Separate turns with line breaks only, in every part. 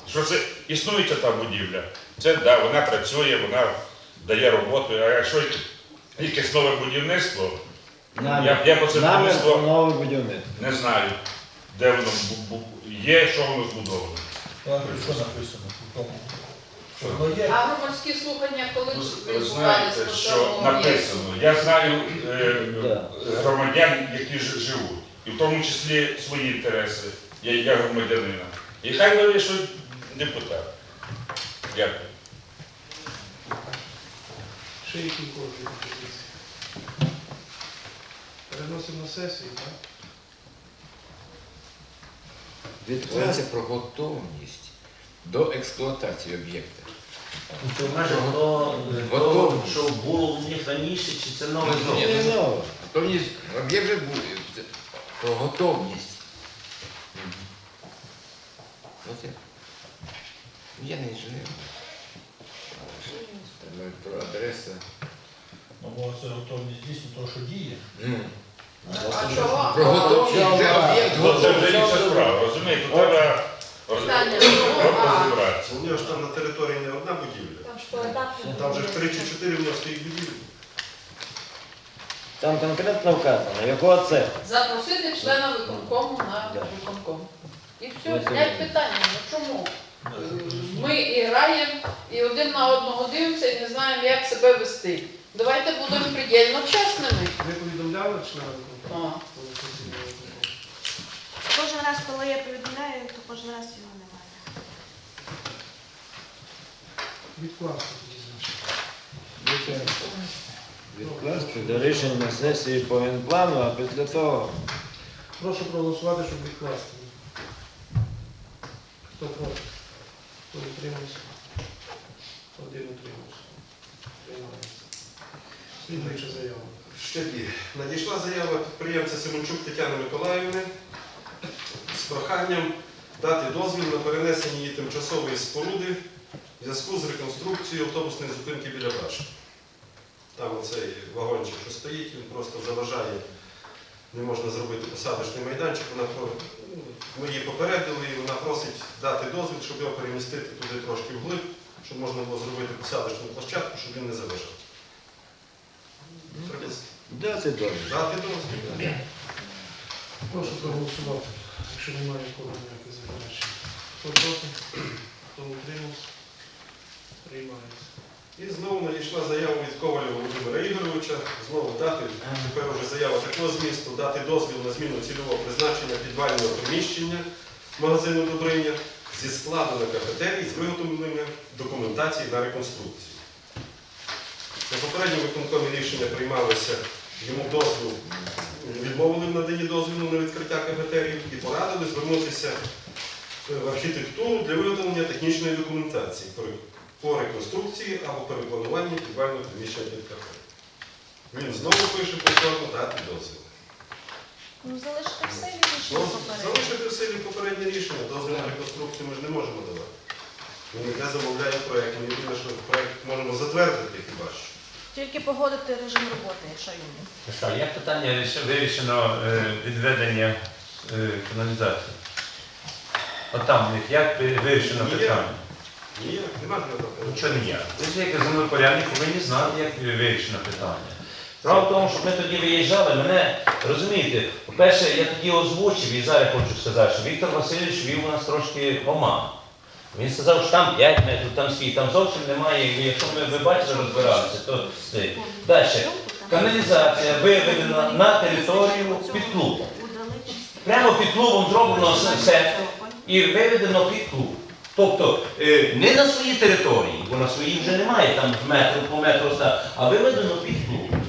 Що це існуюча та будівля, це да, вона працює, вона дає роботу, а якщо якесь нове будівництво, я по це будівництво
нове будівництво.
не знаю, де воно є, що воно збудовано.
Що написано?
А громадські слухання коли
Ви
відбувалися?
знаєте, що написано. Я знаю громадян, які живуть, і в тому числі свої інтереси, я громадянина. І хай вирішують депутат. Дякую.
Ще які кожні пропозиції? Переносимо на сесію, так?
Йдеться про готовність до експлуатації об'єкта.
Це майже то, що було в них раніше, чи це нове знову?
Готовність, об'єкт вже був, про готовність. Оце. Я не інженер. Про адресу.
Ну, бо це готовність дійсно того, що діє.
А чого?
Про готовність вже об'єкт
Це вже
готовий.
інша справа, розумієте? Треба розібратися.
У нього ж там на території не одна будівля. Там же 3 чи 4 в нього стоїть будівлі.
Там конкретно вказано, якого це.
Запросити члена виконкому на виконком. І все, знять питання. Ну чому? Ми і граємо, і один на одного дивимося і не знаємо, як себе вести. Давайте будемо предельно чесними.
Ви повідомляли члена виконкому?
Кожен раз, коли я повідомляю, то кожен раз його немає.
Відкласти тоді, значить.
Відкласти до рішення сесії по генплану, а після того
Прошу проголосувати, щоб відкласти. Хто проти? Хто утримався? Один утримався. Приймається. Слідуюча заява. Ще дві. Надійшла заява підприємця Семенчук Тетяни Миколаївни з проханням дати дозвіл на перенесення її тимчасової споруди в зв'язку з реконструкцією автобусної зупинки біля башти. Там оцей вагончик, що стоїть, він просто заважає, не можна зробити посадочний майданчик. Ми її попередили і вона просить дати дозвіл, щоб його перемістити туди трошки вглиб, щоб можна було зробити посадочну площадку, щоб він не заважав.
дати дозвіл.
Дати дозвіл. Прошу проголосувати, якщо немає нікого ніяких заперечень. Хто проти? Хто утримався? Приймається. І знову надійшла заява від Коваля Володимира Ігоровича. Знову дати, тепер вже заява такого змісту, дати дозвіл на зміну цільового призначення підвального приміщення магазину «Добриня» зі складу на кафетерій з виготовленням документації на реконструкцію. На попередньому виконкомі рішення приймалося, йому дозвіл, відмовили в наданні дозволу на відкриття кафетерії і порадили звернутися в архітектуру для виготовлення технічної документації по реконструкції або переплануванні підвального приміщення під кафе. Він знову пише повторно дати дозвіл.
Ну, залишити все і рішення попередньо.
Залишити в силі попереднє рішення, дозвіл на реконструкцію ми ж не можемо давати. Він не замовляє проєкт, ми єдине, що проєкт можемо затвердити хіба що.
Тільки погодити режим роботи, якщо йому.
Як питання вирішено відведення каналізації? От там в них як вирішено
Ніяк.
питання?
Ніяк, нема ніякого.
Нічого не є. Ви ж як землепорядник повинні знати, як вирішено питання. Справа в тому, що ми тоді виїжджали, мене, розумієте, по-перше, я тоді озвучив і зараз хочу сказати, що Віктор Васильович вів у нас трошки в оману. Він сказав, що там 5 метрів, там скільки, там зовсім немає, і якщо ви бачите, розбиралися, то це. Далі. Каналізація виведена на територію під клубом. Прямо під клубом зроблено все і виведено під клуб. Тобто не на своїй території, бо на своїй вже немає, там метр по метру, а виведено під клуб.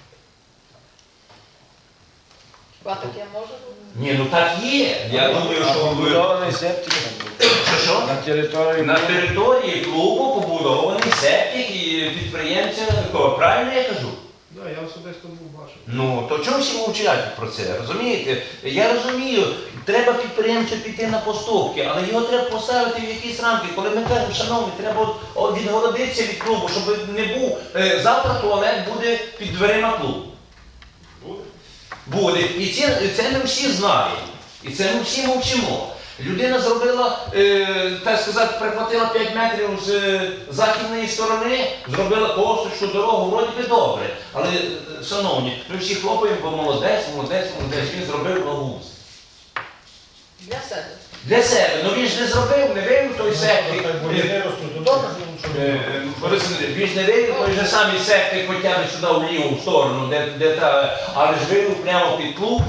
Хіба таке може бути?
Ні, ну так є. Я думаю, що ви...
Побудований септик
Що?
на території.
На території клубу побудований септик і підприємця. Правильно я кажу?
Так, я особисто був бачив.
Ну, то чому всі мовчать про це, розумієте? Я розумію, треба підприємцю піти на поступки, але його треба поставити в якісь рамки. Коли ми кажемо, шановні, треба відгородитися від клубу, щоб не був, завтра туалет буде під дверима клубу.
Буде?
Буде. І це ми всі знаємо. І це ми всі мовчимо. Людина зробила, так сказати, прихватила 5 метрів з західної сторони, зробила косточку, дорогу, вроді би добре. Але, шановні, ми всі хлопаємо, бо молодець, він зробив благоустрій.
Для себе.
Для себе. Ну він ж не зробив, не вивів той сектик.
Не ростуть, то добре,
Він ж не вивів той же самий сектик, хоча б сюди в ліву сторону, де та, але ж вивів прямо під клуб.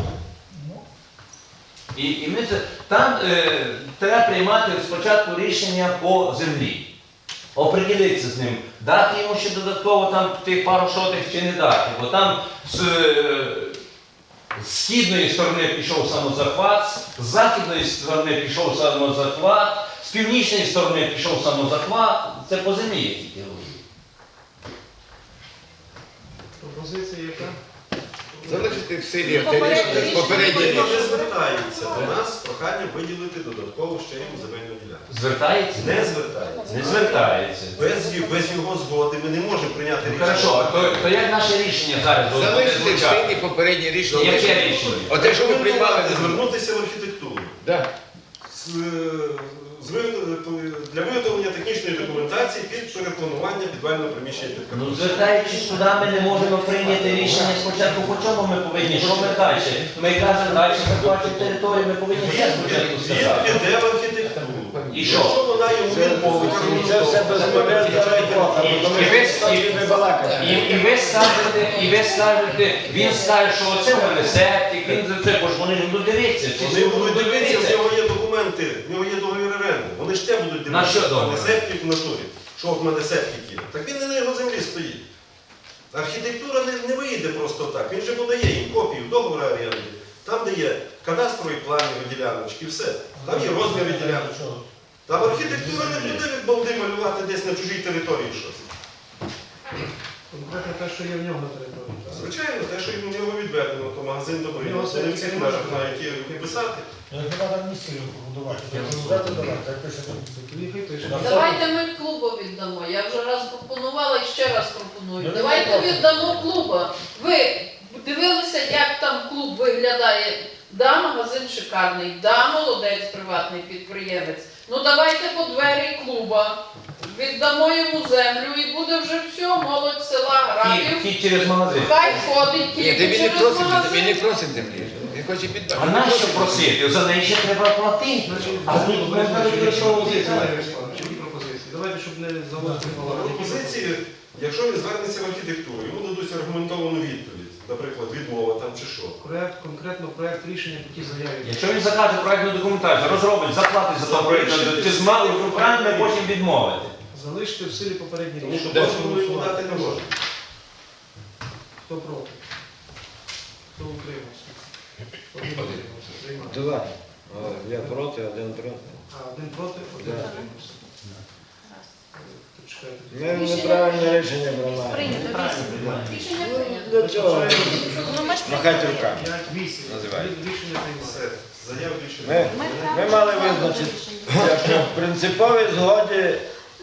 І ми це, там треба приймати спочатку рішення по землі. Оприділитися з ним, дати йому ще додатково там тих пару сотих чи не дати. Бо там з східної сторони пішов самозахват, з західної сторони пішов самозахват, з північної сторони пішов самозахват. Це по землі я тільки говорю.
Пропозиція яка?
Залишити в силі те рішення, попереднє
Вони
рішення.
не звертаються до нас з проханням виділити додатково ще йому земельну ділянку.
Звертається?
Не звертаються.
Не звертається.
Без його згоди ми не можемо прийняти
Ну,
рішення.
хорошо, то як наше рішення зараз буде
Залишити в
звучати?
силі попереднє рішення.
Яке рішення?
Оте, що ми приймали.
Звернутися в архітектуру.
Да.
Для виготовлення технічної документації під перепланування підвального приміщення під
Ну,
капітал.
звертаючись туди, ми не можемо прийняти рішення спочатку, по чому ми повинні, що ми далі? Ми кажемо, далі захвачуємо територію, ми повинні все спочатку
Він
сказати.
піде в архітектуру.
І що?
Якщо вона йому відмовить,
Це все безполезна робота, бо тому що не балакати.
І ви скажете, він скаже, що оце в мене септик, він за це, бо ж вони не будуть дивитися.
вони будуть дивитися, в нього є документи, в нього є договір оренди. Вони ж те будуть
На що
дивитися, в мене
договір?
септик в натурі. Що в мене септик є. Так він не на його землі стоїть. Архітектура не вийде просто так. Він же подає їм копію договору оренди. Там, де є кадастрові плани діляночки, все. Там є розміри діляночок. Там архітектура не буде від балди малювати десь на чужій території щось.
Конкретно те, що є в нього на території. так?
Звичайно, те, що йому в нього відведено, то магазин добрий.
Його
Це не в
це
цих
не
межах,
може
на які писати.
Як нема там місця будувати, то взяти давати, як пише там.
Їхай пише.
Давайте ми клубу віддамо. Я вже раз пропонувала і ще раз пропоную.
Ну,
Давайте
не
віддамо клуба. Ви дивилися, як там клуб виглядає? Да, магазин шикарний, да, молодець, приватний підприємець. Ну давайте по двері клуба. Віддамо йому землю і буде вже все, молодь села грабів.
Хід через магазин.
Хай ходить
Ні,
тільки
він не
через
просить,
магазин.
він не просить землі. Він хоче підбати.
А нащо просити? За неї ще треба платити. А тут можна використовувати.
Які пропозиції? Давайте, щоб не заводити балаган.
Пропозиції, якщо він звернеться в архітектуру, йому дадуть аргументовану відповідь, наприклад, відмова там чи що.
Конкретно проект рішення по тій заяві.
Якщо він закаже проєктну документацію, розробить, заплатить за той проєкт, чи з малим руками потім відмовити.
Залишити в силі попередні
Тому
рішення.
що дозволу йому дати не може.
Хто проти? Хто утримався? Один утримався. Приймаємо.
Два. Я проти, один проти.
Один проти, один
Да.
утримався. Почекайте.
Ми неправильне рішення приймаємо.
Прийнято, рішення.
Рішення прийнято.
Для цього
Ну ми ж
махати руками.
5-8.
Називай.
Рішення
Все,
приймається.
заяв більше немає.
Ми мали визначити, якщо в принциповій згоді,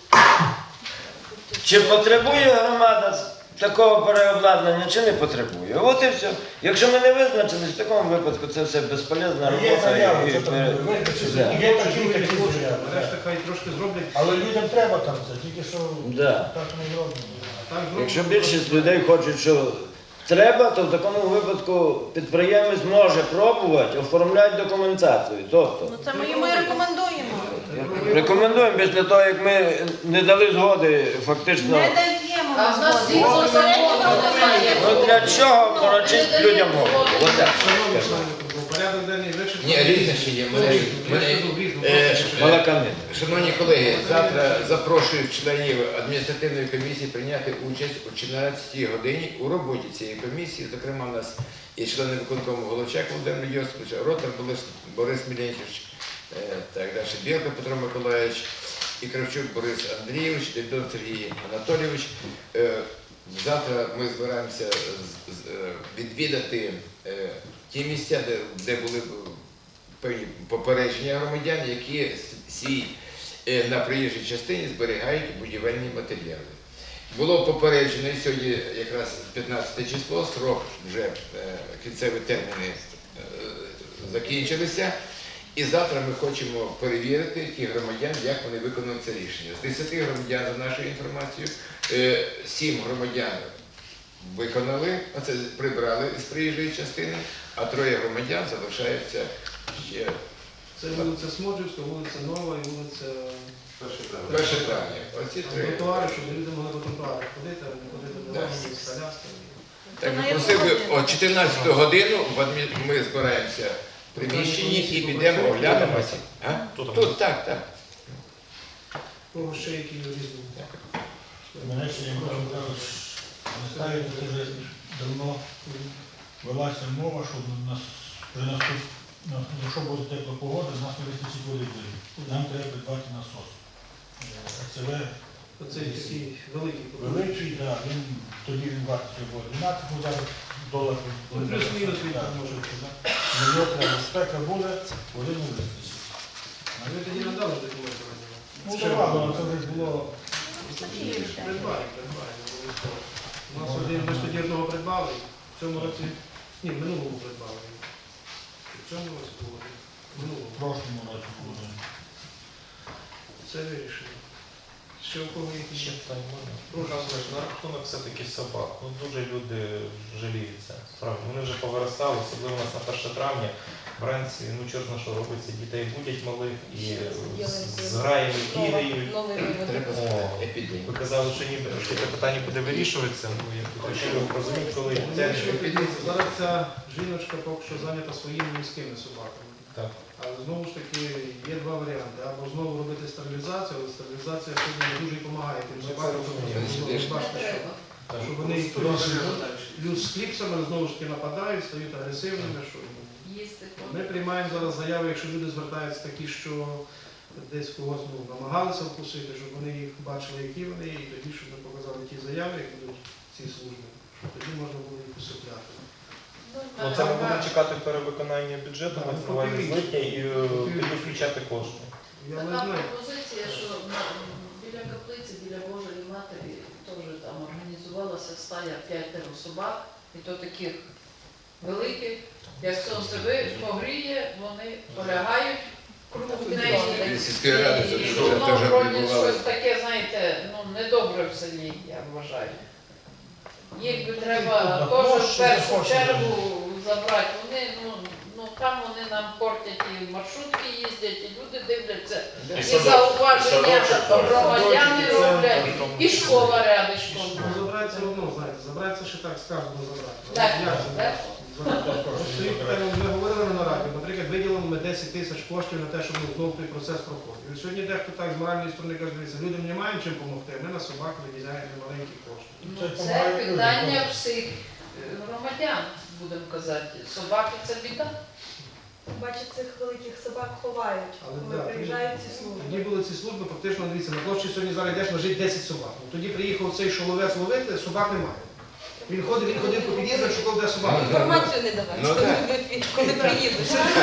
чи потребує громада такого переобладнання, чи не потребує. От і все. Якщо ми не визначились, в такому випадку це все безполезна
Є
робота.
заява,
і-
що там
і-
визначиться,
Да.
є такі заяви.
Решта хай трошки зроблять.
Але людям треба там це, тільки що
Да.
так не зроблено.
А так зроблять.
Якщо більшість людей хочуть, що треба, то в такому випадку підприємець може пробувати оформляти документацію. Тобто,
Ну це ми йому і рекомендуємо.
рекомендуємо після того, як ми не дали згоди фактично.
Не даємо
А в нас
згоди.
згідно закону немає.
Ну для чого порочити людям голову? Отак.
Шановні члени клубу, порядок денний вичерпаний.
Ні, різне ще є. Мене-
Балаканин.
Шановні колеги, завтра запрошую членів адміністративної комісії прийняти участь о 14 годині у роботі цієї комісії. Зокрема, у нас і члени виконкому Головчак Володимир Йосипович, Ротар Борис Мілянчевич, так далі, Білка Петро Миколаївич, і Кравчук Борис Андрійович, Дельдон Сергій Анатолійович. Завтра ми збираємося відвідати ті місця, де були певні попередження громадян, які на проїжджій частині зберігають будівельні матеріали. Було попереджено, і сьогодні якраз 15 число, срок вже кінцеві терміни закінчилися. І завтра ми хочемо перевірити тих громадян, як вони виконали це рішення. З 10 громадян, за нашою інформацією, 7 громадян виконали, оце прибрали з приїжджої частини, а 3 громадян залишаються ще
Це вулиця Смоджівська, вулиця Нова і вулиця
1 травня. Оці 3.
тротуари, щоб люди могли по тротуарах ходити, а не ходити до
Так.
вагонів з колясками.
Так, ми просив би о 14 годину ми збираємося в приміщенні і підемо оглянемося. А? Тут, так.
Кого ще які різні.
Мене ще Євген Михайлович, пам'ятаю, це вже давно велася мова, що якщо буде тепла погода, у нас не вистачить води в жилі. Нам треба придбати насос. АЦВ
Оцей такий великий.
великий, да, він тоді він вартий було 12, ну зараз доларів.
Ну, плюс-мінус він там може.
Його треба, спека буде, води не вистачить.
А ви тоді надали документи?
Ну, давай, але це вже було.
Придбали. У нас один, ми ж тоді одного придбали, в цьому році, ні, в минулому придбали. В цьому році було, в
В
минулому.
прошлому році буде.
Це вирішено. Ще у кого які
Ще питання можна? Розумієш, на рахунок все-таки собак. Ну, дуже люди жаліються. Справді, вони вже повиростали, особливо у нас на 1 травня. Вранці, ну чорт на що робиться, дітей будять малих і з граями бігають.
Треба
О,
епідемію.
Ви казали, що ніби що це питання буде вирішуватися. Ну, я хотів розуміти, коли це
Зараз ця жіночка поки що зайнята своїми міськими собаками.
так.
Але знову ж таки є два варіанти. Або знову робити стерилізацію, але стерилізація сьогодні не дуже допомагає тим собакам,
розумію.
що бачите, що вони плюс з кліпсами знову ж таки нападають, стають агресивними. Що
Їсти.
ми приймаємо зараз заяви, якщо люди звертаються такі, що десь когось намагалися вкусити, щоб вони їх бачили, які вони, і тоді, щоб ми показали ті заяви, які будуть в цій службі, щоб тоді можна було їх усипляти.
Ну, це ми будемо чекати перевиконання бюджету, ми триваємо з липня і тоді включати кошти.
Я не
Така
знаю.
пропозиція, що біля каплиці, біля Божої Матері теж там організувалася стая 5 собак, і то таких великих. Як сонце погріє, вони полягають кругом неї.
Сільської ради це
І
вже
воно
теж
вроді
відбувалося.
щось таке, знаєте, ну недобре в селі, я вважаю. Їх би треба теж в першу чергу забрати. Вони, ну там вони нам портять і маршрутки їздять, і люди дивляться, і зауваження громадяни роблять, і школа рядишком.
Ну, забрати це одно, знаєте, забрати це ще так сказано забрати.
Так,
Як це
так.
Стоїть питання, ми говорили на нараді, наприклад, виділимо ми 10 тисяч коштів на те, щоб знову той процес проходив. І сьогодні дехто так з моральної сторони каже, дивіться, людям не маємо чим допомогти, ми на собак виділяємо маленькі кошти.
Ну, це питання всіх громадян, будемо казати. Собаки це біда.
Бачить, цих великих собак ховають,
Але
коли
да,
приїжджають ці
тоді
служби.
були ці служби, фактично, дивіться, на площі сьогодні зараз йдеш, лежить 10 собак. Ну, тоді приїхав цей шоловець ловити, собак немає. Він ходив по під'їздах, шукав, де собаки.
Інформацію не давати,
Ну,
коли приїдуть.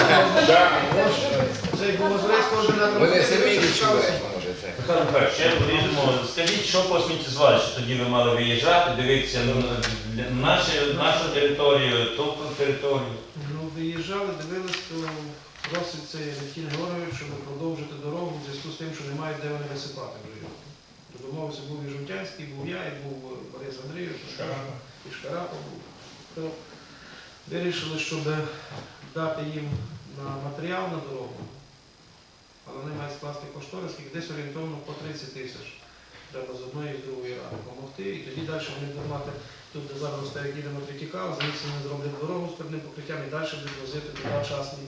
Це як було зрець координатор.
Вони самі відчувають, може це.
Михайло Михайлович, ще вирішимо. Скажіть, що по сміттєзвалищу тоді ви мали виїжджати, дивитися нашу територію, ту територію.
Ну, виїжджали, дивились, то просить цей Летін Георгійович, щоб продовжити дорогу в зв'язку з тим, що немає де вони висипати вже його. То домовився, був і Жовтянський, був я, і був Борис Андрійович, і Шкарапа був. То вирішили, щоб дати їм на матеріал на дорогу, але вони мають скласти кошторис, і десь орієнтовно по 30 тисяч. Треба з одної і з другої ради допомогти, і тоді далі вони будуть мати, тут де зараз стоять їдемо Третікал, звідси вони зроблять дорогу з передним покриттям і далі будуть возити туди частні.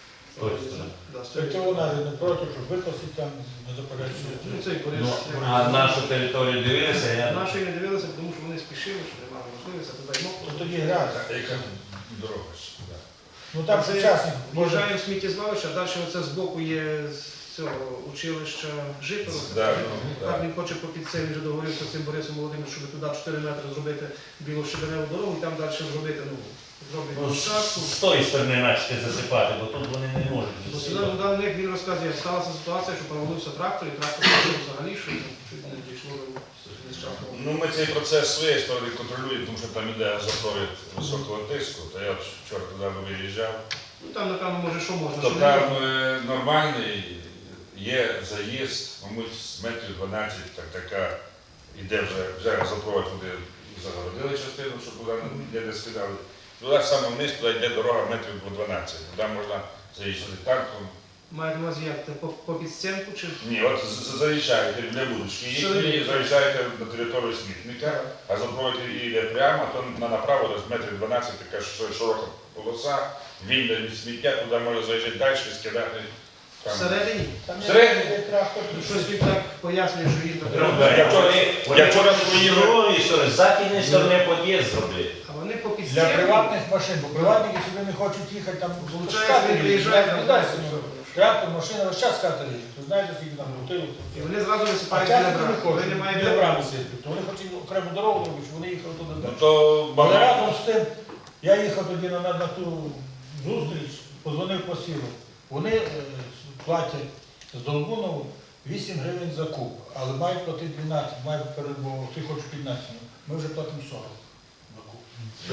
Цього навіть не проти, щоб викосити там, не заперечують.
Ну, цей Борис.
А нашу територію дивилися?
Нашої не дивилися, тому що вони спішили, що немає можливості, а туди й
То тоді грязь.
Яка дорога ж?
Ну там сучасні.
В'їжджаємо в сміттєзвалище, а далі оце збоку є з цього училища Житово.
Да,
Так він хоче по під цей, він вже договорився з цим Борисом Володимировичем, щоб туди 4 метри зробити білощебеневу дорогу і там далі зробити, зроблять площадку.
З тої сторони начати засипати, бо тут вони не можуть.
Бо сюди на них він розказує, сталася ситуація, що провалився трактор, і трактор пішов взагалі, що чуть не дійшло до нещасного.
Ну, ми цей процес з своєї сторони контролюємо, тому що там іде запровід високого тиску. То я от вчора туди виїжджав,
Ну там, напевно, може, що можна,
То
що не
там
можна.
нормальний є заїзд, мабуть, з метрів 12, така іде вже газопровод, туди загородили частину, щоб туди не скидали. Туди саме вниз, туди йде дорога метрів по 12. Туди можна заїжджати танком.
Мають на увазі як? Це по підстінку чи?
Ні, от заїжджаєте для будочки, і заїжджаєте на територію смітника, а газопровод йде прямо, то направо десь метрів 12, така широка полоса, вільна від сміття, туди можна заїжджати далі, скидати. Там.
Всередині?
Всередині?
Щось він так пояснює, що їм
Я вчора свої
з другої сторони, з західної сторони під'їзд зробили.
А вони по
Для
підстінку.
приватних машин, бо приватники сюди не хочуть їхати, там
Получається, він приїжджає, там
віддасть.
десь.
Трактор, машина, весь час катер їздить. Ви знаєте, скільки там бутилок.
І вони зразу
А
висипають
часто
біля
не
брами. Коли
хочуть,
немає
біля
біля
брами
брами.
сидять. То вони хочуть окрему дорогу робити, щоб вони їхали туди.
Ну
далі.
то
Але
багато.
разом з тим, я їхав тоді на ту зустріч, позвонив по сілу. Вони платять з Долбунову 8 гривень за куб, але мають платити 12, мають бо ти хочеш 15, ми вже платимо 40 за куб.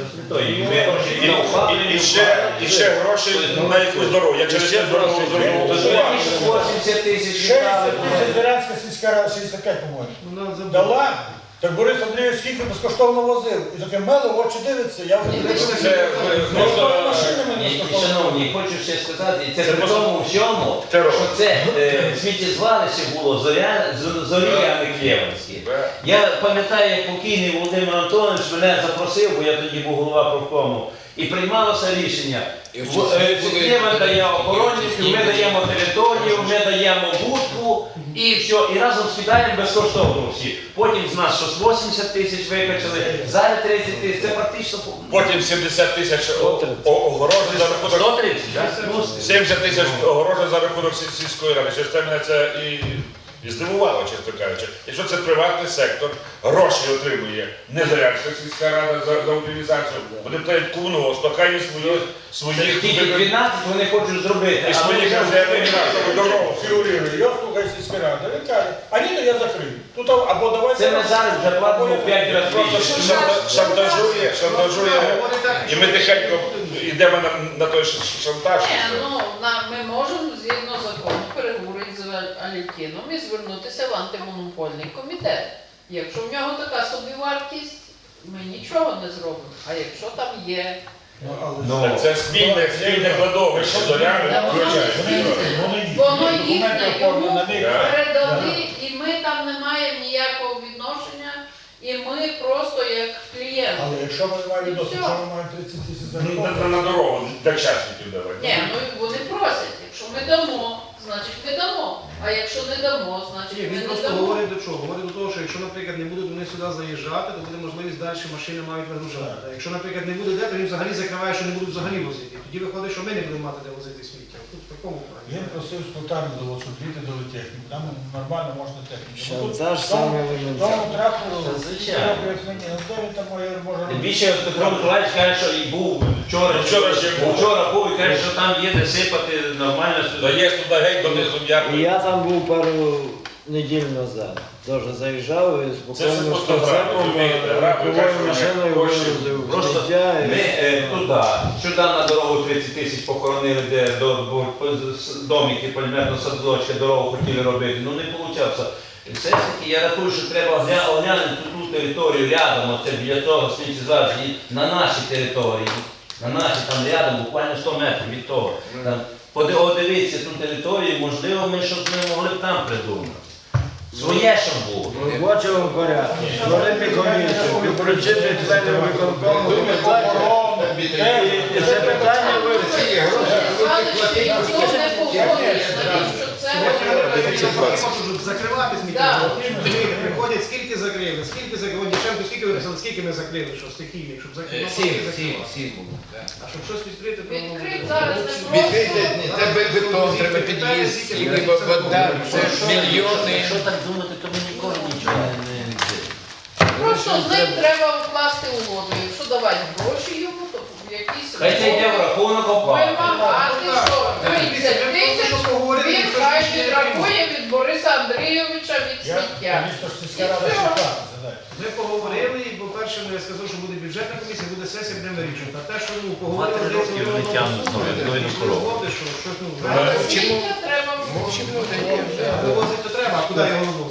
І ще гроші на якусь дорогу. Я через це дорогу звернув.
80 тисяч
60 тисяч Зарянська сільська рада, 65, по-моєму.
Вона забула.
Дала, так Борис Андрійович скільки безкоштовно возив. І таке мело, очі дивиться, я вже машинами безкоштовно.
Шановні, хочу ще сказати, це при тому всьому, що це сміттєзвалище було Зоря Михайлівське. Я пам'ятаю, як покійний Володимир Антонович мене запросив, бо я тоді був голова профкому, і приймалося рішення. Система дає охоронників, ми даємо територію, ми даємо будку і все, і разом скидаємо безкоштовно всі. Потім з нас щось 80 тисяч викачали, зараз 30 тисяч, це практично...
Потім 70 тисяч огорожень за рахунок.
130, так?
70 тисяч огорожень за рахунок сільської ради. Через це мене це і здивувало, чесно кажучи. Якщо це приватний сектор, гроші отримує не Зарянська сільська рада за утилізацію, вони платять комунгос, то хай є своїх
Тільки 12 вони хочуть зробити.
і своїх резервних дорогу.
Фігурирує, я слухаю сільська рада, він каже, а ні, то я закрию. Тут або давайте...
Це ми зараз вже платимо 5 разів
Просто
більше.
шантажує, і ми тихенько йдемо на той шантаж.
Ні, ну, ми можемо згідно закону переговорити з Алікіном і звернутися в антимонопольний комітет. Якщо в нього така собівартість, ми нічого не зробимо. А якщо там є...
Це спільне кладовище, Зоряни включає.
Воно їхнє, йому передали, і ми там не маємо ніякого відношення, і ми просто як клієнти.
Але якщо ми не маємо відносин, якщо ми маємо 30 тисяч за
На дорогу для частників давати.
Ні, ну вони просять, якщо ми дамо, значить ми дамо. А якщо не дамо,
Ні,
значить ми
він
не
просто
дамо.
говорить до чого? Говорить до того, що якщо, наприклад, не будуть вони сюди заїжджати, то буде можливість далі машини мають вигружати. А якщо, наприклад, не буде де, то він взагалі закриває, що не будуть взагалі возити. Тоді виходить, що ми не будемо мати де возити сміття. Тут в такому плані.
Він просив спонтанно завод, щоб діти дали техніку. Там нормально можна техніку.
Шантаж саме елементарний.
Тому трактору,
Це звичайно.
як мені, ну де він там може
Тим більше Петро Миколаївич каже, що і був вчора ще був. Вчора був і каже, що там є де сипати нормально сюди.
Є туди геть донизу
І
м'яко.
я там був пару неділь назад. Теж заїжджав і спокійно з
просто
прицепом,
грабли,
легковою
так,
машиною
гроші.
вивозив
Просто
сміття.
ми сюди на дорогу 30 тисяч похоронили, де домики, полімерно садочки, дорогу хотіли робити, ну не вийшло. Все ж таки, я рахую, що треба оглянути ту територію рядом, оце біля того сміттєзвалища, на нашій території, на нашій там рядом, буквально 100 метрів від того. Там, подивитися ту територію, можливо, ми щось не могли б там придумати. Своє, щоб було.
В робочому порядку. Створити комісію, включити членів виконкому. І це питання вивчити.
Ніхто не погодує, навіщо це робити.
Можуть закривати сміття. Приходять, скільки закрили, Дівченко, скільки вирішили, скільки ми закрили, що стихійних, щоб закрити. А щоб щось відкрити, то...
Відкрити зараз не просто.
Відкрити, треба бетон, треба під'їзд, і вода, це мільйони.
Якщо так думати, то ми ніколи нічого не відкриємо.
Просто з ним треба вкласти угоду. Якщо давати гроші йому, то якісь
Хай це йде в рахунок оплати.
вимагати, що 30 тисяч він хай відрахує від Бориса Андрійовича від
Я,
сміття.
звісно, ж
І
сільська рада
все.
шикарна. Гадайте.
Ми поговорили, і, по-перше, я сказав, що буде бюджетна комісія, буде сесія, будемо вирішувати. А те, що поговорили,
Два-три роки вони тягнуть знову, як двойну корову.
що щось,
Мовчимо.
Звільнення треба
Мовчимо, даємо.
вивозити то треба, а куди його вивозити?